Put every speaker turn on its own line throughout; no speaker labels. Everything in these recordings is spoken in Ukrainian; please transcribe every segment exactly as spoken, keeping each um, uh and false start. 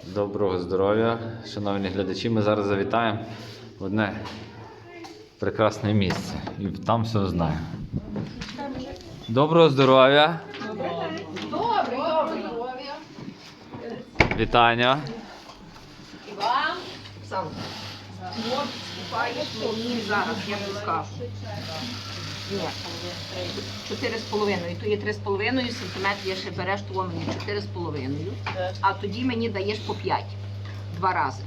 Доброго здоров'я, шановні глядачі. Ми зараз завітаємо в одне прекрасне місце і там все знаємо. Доброго здоров'я!
Доброго здоров'я!
Вітання!
І вам, Оксана, от купаєш мені зараз, я не скажу. Ні, чотири з половиною. То є три з половиною сантиметрів, я ще береш того мені чотири з половиною, а тоді мені даєш по п'ять. Два рази.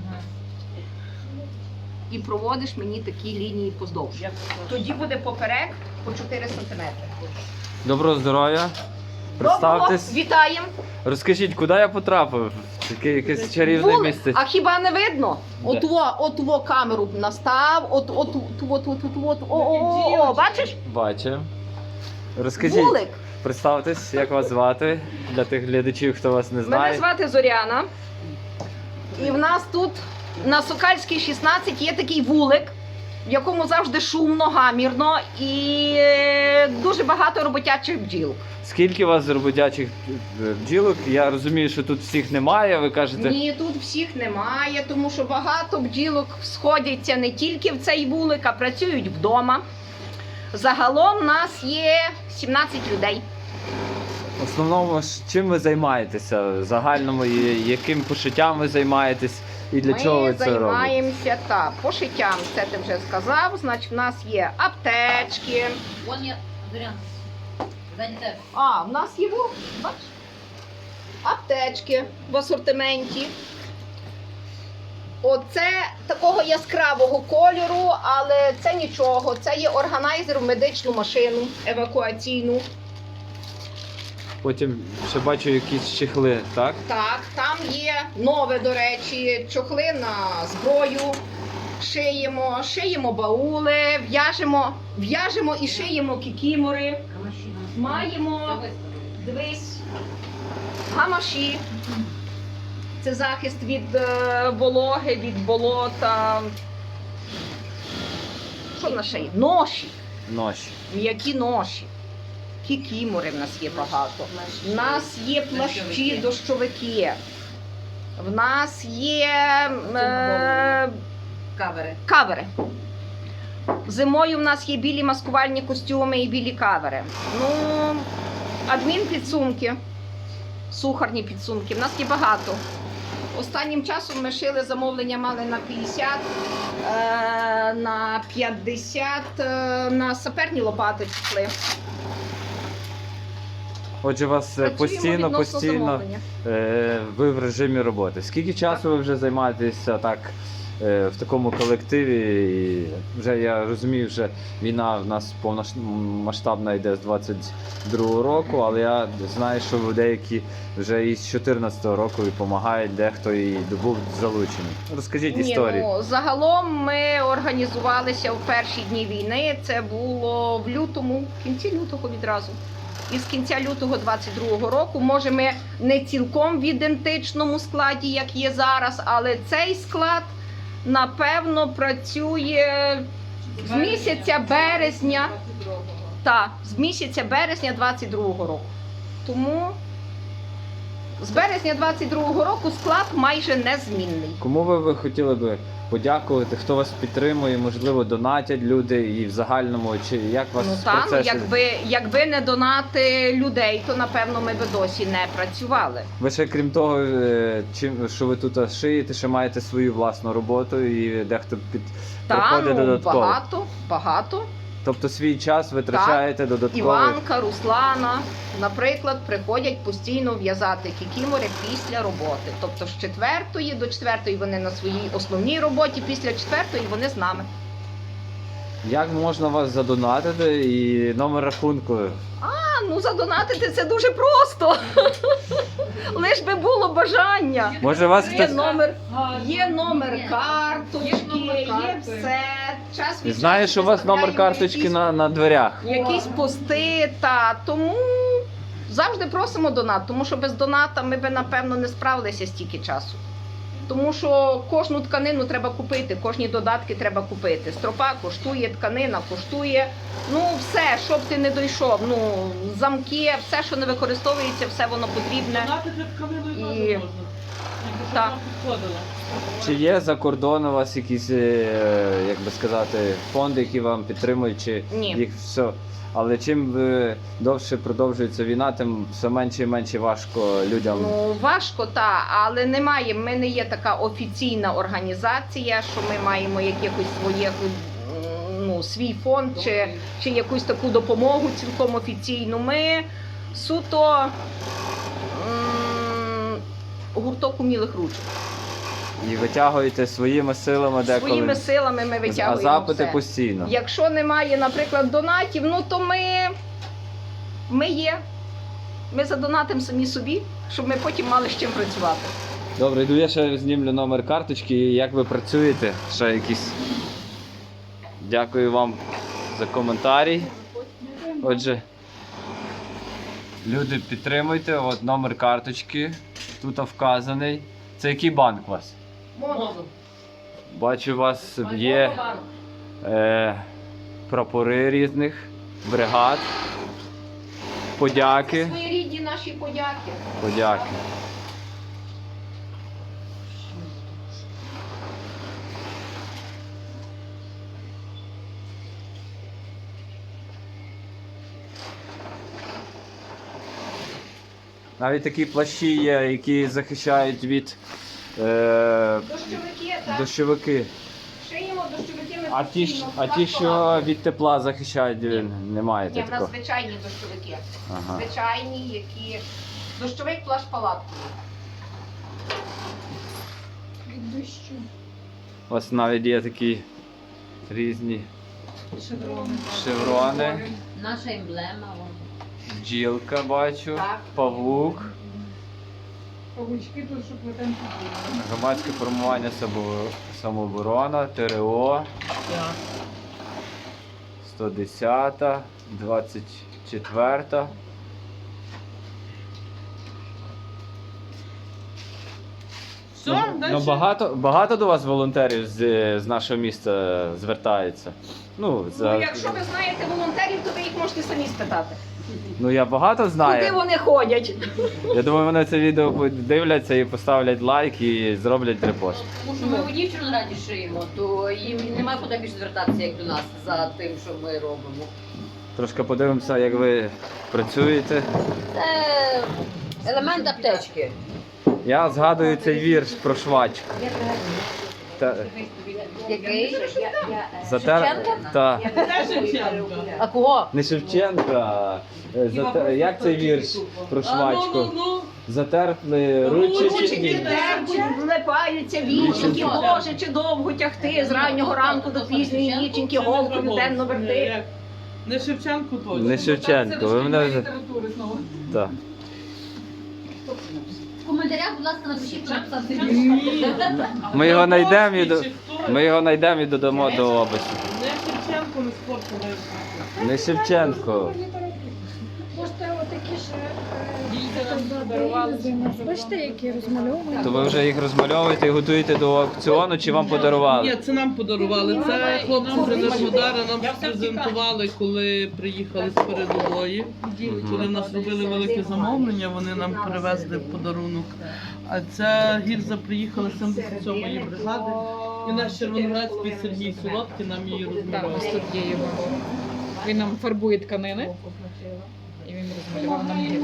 І проводиш мені такі лінії поздовж. Тоді буде поперек по чотири сантиметри.
Доброго здоров'я!
Доброго,
Представтесь,
вітаємо!
розкажіть, куди я потрапив? Таке якесь чарівне
Вулик.
місце.
А хіба не видно?
Де?
От во, от во камеру настав, от от от от от от от о, о, о, о, бачиш?
Бачу. Розкажіть,
Вулик.
представтесь, як вас звати, для тих глядачів, хто вас не
Мене
знає.
звати Зоряна. І в нас тут на Сокальській шістнадцять є такий вулик, в якому завжди шумно, гамірно і е, дуже багато роботячих бджіл.
Скільки у вас роботячих бджілок? Я розумію, що тут всіх немає, ви кажете.
Ні, тут всіх немає, тому що багато бджілок сходяться не тільки в цей вулик, а працюють вдома. Загалом у нас є сімнадцять людей.
В основному, ж чим ви займаєтеся? В загальному, і яким пошиттям ви займаєтесь і для
Ми
чого ви це робите?
займаємося так, пошиттям, це ти вже сказав. Значить, в нас є аптечки.
Вон є, Зоряна, ззаді тебе.
А, в нас є во, бачиш? Аптечки в асортименті. Оце такого яскравого кольору, але це нічого. Це є органайзер в медичну машину евакуаційну.
Потім ще бачу якісь чехли, так?
Так, там є нове, до речі, чохли на зброю. Шиємо, шиємо баули, в'яжемо, в'яжемо і шиємо кікімори. Маємо, дивись, гамаші. Це захист від е, вологи, від болота. Що в нас ще є? Ноші.
Ноші.
М'які ноші. Кікімори в нас є багато. В нас є плащі, дощовики. В нас є е,
Кавери.
кавери. Зимою в нас є білі маскувальні костюми і білі кавери. Ну, адмінпідсумки, сухарні підсумки. В нас є багато. Останнім часом ми шили замовлення, мали на п'ятдесят, е, на п'ятдесят, е, на саперні лопати пішли.
Отже, у вас е,
Працюємо
постійно,
відносно
постійно
замовлення.
е, ви в режимі роботи. Скільки часу ви вже займаєтеся так е, в такому колективі? І вже я розумію, вже війна в нас повномасштабна йде з двадцять другого року, але я знаю, що ви деякі вже із чотирнадцятого року і допомагають, дехто і був залучений. Розкажіть
Ні,
історію.
ну, загалом ми організувалися в перші дні війни. Це було в лютому, в кінці лютого відразу. І з кінця лютого двадцять другого року, може ми не цілком в ідентичному складі, як є зараз, але цей склад, напевно, працює з місяця березня, та, з місяця березня двадцять другого року. Тому з березня двадцять другого року склад майже незмінний.
Кому ви, ви хотіли би подякувати, хто вас підтримує, можливо, донатять люди і в загальному, чи як вас
Ну та, ну,
процеси?
якби, якби не донати людей, то напевно ми би досі не працювали.
Ви ще крім того, е, чим що ви тут шиєте, ще маєте свою власну роботу і дехто під
Та,
проходить
ну,
додатково.
багато, багато.
Тобто свій час витрачаєте додатково.
Іванка, Руслана, наприклад, приходять постійно в'язати кікімори після роботи. Тобто з четвертої до четвертої вони на своїй основній роботі, після четвертої вони з нами.
Як можна вас задонатити і номер рахунку?
А, ну задонатити це дуже просто. Лиш би було бажання.
Може вас
Є
хтось...
номер, є номер карточки, є все. Час від
Знаю,
часу
що у вас номер
виставляємо
карточки
якісь-
на, на дверях.
якісь пости, та тому завжди просимо донат, тому що без доната ми би, напевно, не справилися стільки часу. Тому що кожну тканину треба купити, кожні додатки треба купити. Стропа коштує, тканина коштує. Ну, все, щоб ти не дійшов. Ну, замки, все, що не використовується, все воно потрібне.
Донатити тканину
І-
і можна.
Так.
Чи є за кордоном у вас якісь, е, як би сказати, фонди, які вам підтримують, чи
Ні.
їх все? Але чим е, довше продовжується війна, тим все менше і менше важко людям.
Ну, важко, так, але немає. Ми не є така офіційна організація, що ми маємо якихось своїх, ну, свій фонд чи, чи якусь таку допомогу цілком офіційну. Ми суто м, гурток умілих ручок.
І витягуєте своїми силами деколи.
Своїми силами ми
А
витягуємо
запити
все.
постійно.
Якщо немає, наприклад, донатів, ну то ми, ми є. Ми задонатимо самі собі, щоб ми потім мали з чим працювати.
Добре, йду я ще знімлю номер карточки, і як ви працюєте, ще якісь. Дякую вам за коментарі. Отже, люди, підтримуйте, от номер карточки, тут вказаний. Це який банк у вас?
Моду.
Бачу, у вас є е, прапори різних бригад. Подяки.
Своєрідні наші подяки.
Подяки. Навіть такі плащі є, які захищають від е,
Дощовики, так?
дощовики.
Шиємо дощовики ми
А ті, ж-
постійно.
а ті, що від тепла захищають,
Ні.
немає
Ні, в нас
такого.
звичайні дощовики.
Ага.
Звичайні, які... Дощовик плащ палаткою. Від дощу.
У вас навіть є такі різні шеврони.
Наша емблема. вон.
Бджілка бачу,
Так.
павук,
Павучки тут, щоб ви там підійшли.
громадське формування само- самооборона, ТРО, сто десята, двадцять четверта.
Все,
Ну,
далі.
ну, багато, багато до вас волонтерів з, з нашого міста звертається. Ну, за,
Ну, якщо ви знаєте волонтерів, то ви їх можете самі спитати.
ну я багато
Куди
знаю.
вони ходять?
Я думаю, вони це відео подивляться і поставлять лайк і зроблять репост.
Тому що ми у дівчину раді шиємо, то їм немає куди більше звертатися, як до нас, за тим, що ми робимо.
Трошки подивимося, як ви працюєте.
Це елемент аптечки.
Я згадую цей вірш про швачку. Та,
Який?
затер...
Шевченка?
Та.
Це Шевченко.
А кого?
Не Шевченка. е, Затер... Як цей вірш про
А, ну, ну,
швачку?
ну.
Затерпли
Ну,
ручки.
Ручки терпуть, злипаються віченьки, Боже, чи довго тягти з раннього ранку до пізньої ніченьки, голкою темно верти.
Як? Не Шевченко точно.
Не Шевченко, ви мене вже-
літератури знову.
Так.
В коментарях, будь ласка, напишіть, що написати.
Ми його знайдемо і, до...
Чи хто?
Ми його знайдемо і додамо до опису.
Не Шевченко, не спорту вивчити.
Не Шевченко.
Можете отакі ж
Дітям
е,
подарували.
бачите, які розмальовані.
То ви вже їх розмальовуєте і готуєте до аукціону, чи вам
Ні,
подарували?
це нам подарували. Це хлопці з Енергодара нам презентували, коли приїхали з передової. Коли в нас робили велике замовлення, вони нам привезли в подарунок. А ця гільза приїхала з сімдесят сьомої бригади. І наш червоноградський Сергій Солодкий нам її
Так, ось
розмалював.
тут є його. Він нам фарбує тканини. І він розмалював нам гір.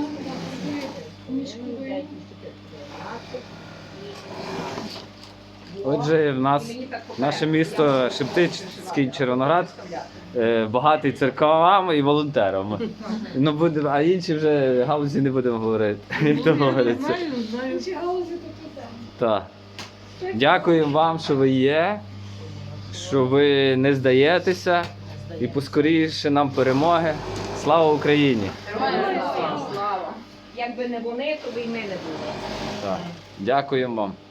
Отже, в нас наше місто Шептицький Червоноград е, багатий церквами і волонтерами. Ну, буде, а інші вже галузі не будемо говорити. Як то говориться.
Знаю, знаю.
Ці галузі тут туди.
Так. Дякуємо вам, що ви є, що ви не здаєтеся і поскоріше нам перемоги. Слава Україні!
Слава! Якби не вони, то би й ми не були.
Так. Дякуємо вам.